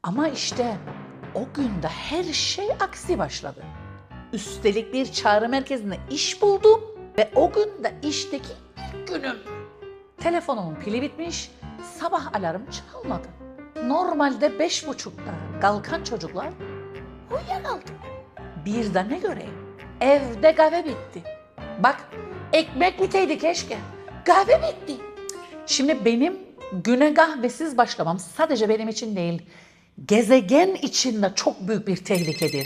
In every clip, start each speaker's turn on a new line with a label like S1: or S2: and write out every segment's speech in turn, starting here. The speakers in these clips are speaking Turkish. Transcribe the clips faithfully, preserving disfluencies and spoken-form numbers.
S1: Ama işte o günde her şey aksi başladı. Üstelik bir çağrı merkezinde iş buldum ve o gün de işteki ilk günüm. Telefonumun pili bitmiş, sabah alarm çalmadı. Normalde beş buçukta kalkan çocuklar uyuyakaldı. Bir de ne göreyim? Evde kahve bitti. Bak, ekmek biteydi keşke. Kahve bitti. Şimdi benim güne kahvesiz başlamam sadece benim için değil, gezegen için de çok büyük bir tehlikedir.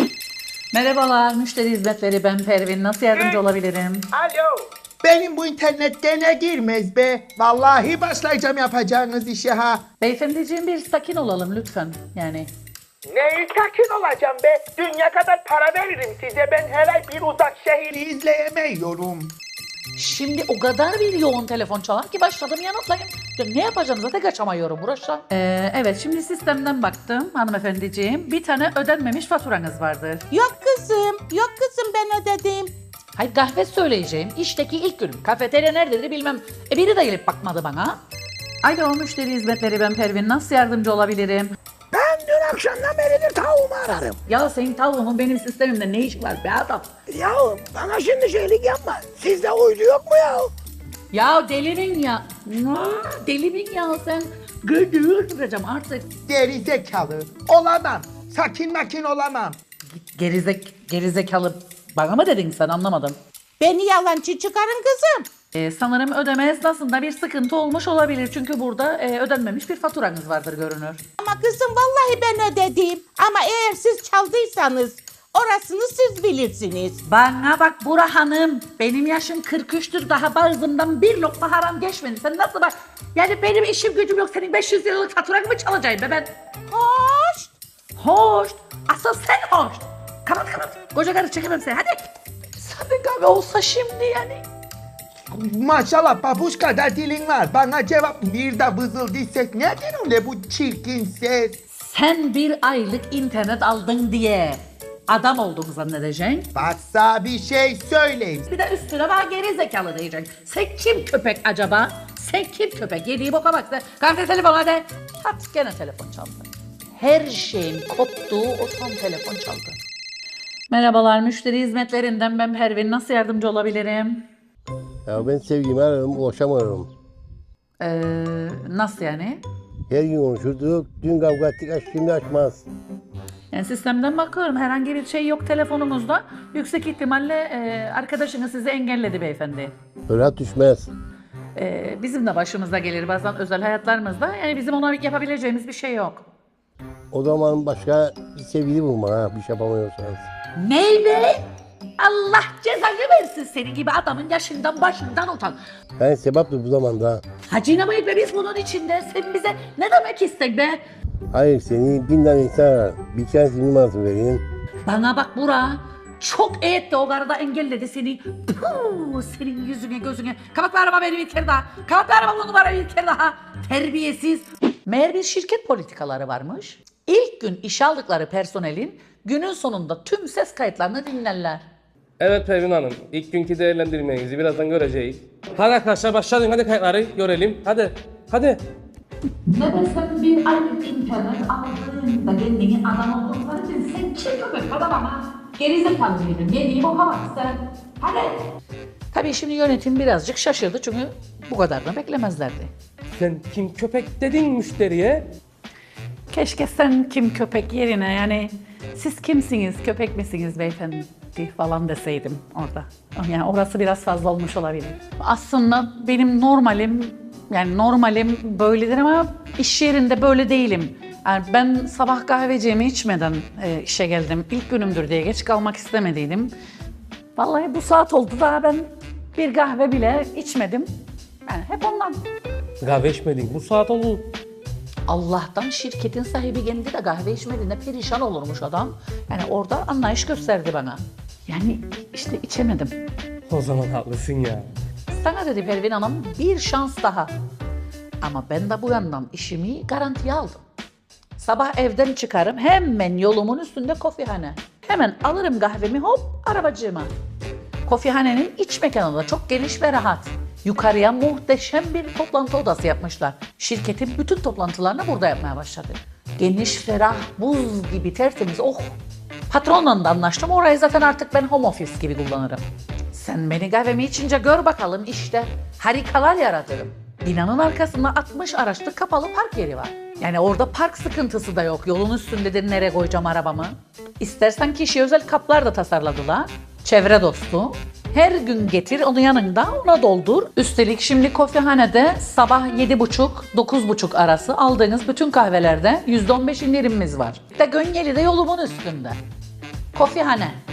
S1: Merhabalar, müşteri hizmetleri, ben Pervin. Nasıl yardımcı olabilirim?
S2: Alo. Benim bu internet gene girmez be. Vallahi başlayacağım yapacağınız işe ha.
S1: Beyefendiciğim, bir sakin olalım lütfen. Yani
S2: Neyi sakin olacağım be? Dünya kadar para veririm size. Ben her ay bir uzak şehri izleyemiyorum.
S1: şimdi o kadar bir yoğun telefon çalar ki başladım yanıtlayayım. Ya ne yapacağım, zaten kaçamıyorum burası. Ee, evet, şimdi sistemden baktım hanımefendiciğim. Bir tane ödenmemiş faturanız vardır.
S3: Yok kızım, yok kızım ben ödedim.
S1: Hayır, kahve söyleyeceğim. İşteki ilk günüm. Kafeterya nerededir bilmem. E biri de gelip bakmadı bana. Alo, müşteri hizmetleri, ben Pervin. Nasıl yardımcı olabilirim?
S2: Ben dün akşamdan beridir tavuğumu ararım.
S1: Ya senin tavuğunun benim sistemimde ne işi var be adam?
S2: Ya bana şimdi şeylik yapma. Sizde uydu yok mu ya?
S1: Ya delirin ya. Delirin ya sen. Gıdığı öldüreceğim artık.
S2: Geri zekalı. Olamam. Sakin makin olamam.
S1: Gerizek, gerizekalı bana mı dedin sen, anlamadım.
S3: Beni yalancı çıkarın kızım.
S1: Ee, sanırım ödeme esnasında bir sıkıntı olmuş olabilir. Çünkü burada e, ödenmemiş bir faturanız vardır görünür.
S3: Ama kızım vallahi ben ödedim. Ama eğer siz çaldıysanız orasını siz bilirsiniz.
S1: Bana bak Bura Hanım, benim yaşım kırk üçtür, daha bağzımdan bir lokma haram geçmedi. Sen nasıl bak, yani benim işim gücüm yok, senin beş yüz liralık faturanı mı çalacağım be ben?
S3: Hoş.
S1: Hoş, asıl sen hoş. Kapat kapat, koca karı çekemem seni, hadi. Sana kahve olsa şimdi yani.
S2: Maşallah babuş kadar dilin var. Bana cevap bir de vızıldı ses. Neden öyle bu çirkin ses?
S1: Sen bir aylık internet aldın diye adam olduğunu zannedeceksin.
S2: Varsa bir şey söyleyin.
S1: Bir de üstüne bana geri zekalı diyeceksin. Sen kim köpek acaba? Sen kim köpek? Yediği boka bak sen. Kalk telefon hadi. Hadi gene telefon çaldı. Her şeyin koptuğu o son telefon çaldı. Merhabalar, müşteri hizmetlerinden ben Pervin. Nasıl yardımcı olabilirim?
S4: Ya ben sevgimi ararım, ulaşamıyorum.
S1: Ee, nasıl yani?
S4: Her gün konuşurduk, dün kavga ettik, aç şimdi açmaz.
S1: Yani sistemden bakıyorum, herhangi bir şey yok telefonumuzda. Yüksek ihtimalle e, arkadaşınız sizi engelledi beyefendi.
S4: Rahat düşmez.
S1: Ee, bizim de başımıza gelir bazen özel hayatlarımızda. Yani bizim ona yapabileceğimiz bir şey yok.
S4: O zaman başka bir sevgili bulma ha, bir şey yapamıyorsanız.
S1: Ney be? Allah cezanı versin, senin gibi adamın yaşından başından utan.
S4: Ben sebaptır bu zamanda.
S1: Hacı mıyız be biz bunun içinde? Sen bize ne demek istek be?
S4: Hayır seni bin tane insan arar. Bir tanesini numarasını vereyim.
S1: Bana bak Bura. Çok etti o karıda engelledi seni. Puh, senin yüzüne gözüne. Kapat be araba beni bir kere daha. Kapat be araba bu numarayı bir kere daha. Terbiyesiz. Meğer bir şirket politikaları varmış. İlk gün işe aldıkları personelin günün sonunda tüm ses kayıtlarını dinlerler.
S5: Evet Pervin Hanım, ilk günkü değerlendirmenizi birazdan göreceğiz. Hadi arkadaşlar başlayalım, hadi kayıtları görelim. Hadi, hadi.
S1: Ne desem bir aylık internet aldığında kendini adam olduğunu için sen kim köpek adam ama gerizekalı mıydın? Yediğim o hava sen. Hadi. Tabii şimdi yönetim birazcık şaşırdı çünkü bu kadarını beklemezlerdi.
S5: Sen kim köpek dedin müşteriye?
S1: Keşke sen kim köpek yerine yani siz kimsiniz, köpek misiniz beyefendi falan deseydim orada. Yani orası biraz fazla olmuş olabilir. Aslında benim normalim, yani normalim böyledir ama iş yerinde böyle değilim. Yani ben sabah kahveciğimi içmeden e, işe geldim. İlk günümdür diye geç kalmak istemediydim. Vallahi bu saat oldu daha ben bir kahve bile içmedim. Yani hep ondan.
S5: Kahve içmedin, bu saat oldu.
S1: Allah'tan şirketin sahibi kendi de kahve içmediğinde perişan olurmuş adam. Yani orada anlayış gösterdi bana. Yani işte içemedim.
S5: O zaman haklısın ya.
S1: Sana dedi Pervin Hanım bir şans daha. Ama ben de bu yandan işimi garantiye aldım. Sabah evden çıkarım hemen yolumun üstünde kofihane. Hemen alırım kahvemi hop arabacığıma. Kofihanenin iç mekanı da çok geniş ve rahat. Yukarıya muhteşem bir toplantı odası yapmışlar. Şirketin bütün toplantılarını burada yapmaya başladı. Geniş, ferah, buz gibi tertemiz. Oh! Patronla da anlaştım. Orayı zaten artık ben home office gibi kullanırım. Sen beni kahvemi içince gör bakalım işte. Harikalar yaratırım. Binanın arkasında altmış araçlık kapalı park yeri var. Yani orada park sıkıntısı da yok. Yolun üstündedir, nereye koyacağım arabamı. İstersen kişiye özel kaplar da tasarladılar. Çevre dostu. Her gün getir onu yanında, ona doldur. Üstelik şimdi kofehanede sabah yedi buçuk dokuz buçuk arası aldığınız bütün kahvelerde yüzde on beş indirimimiz var. De Gönyeli'de yolumun üstünde. Kofehane.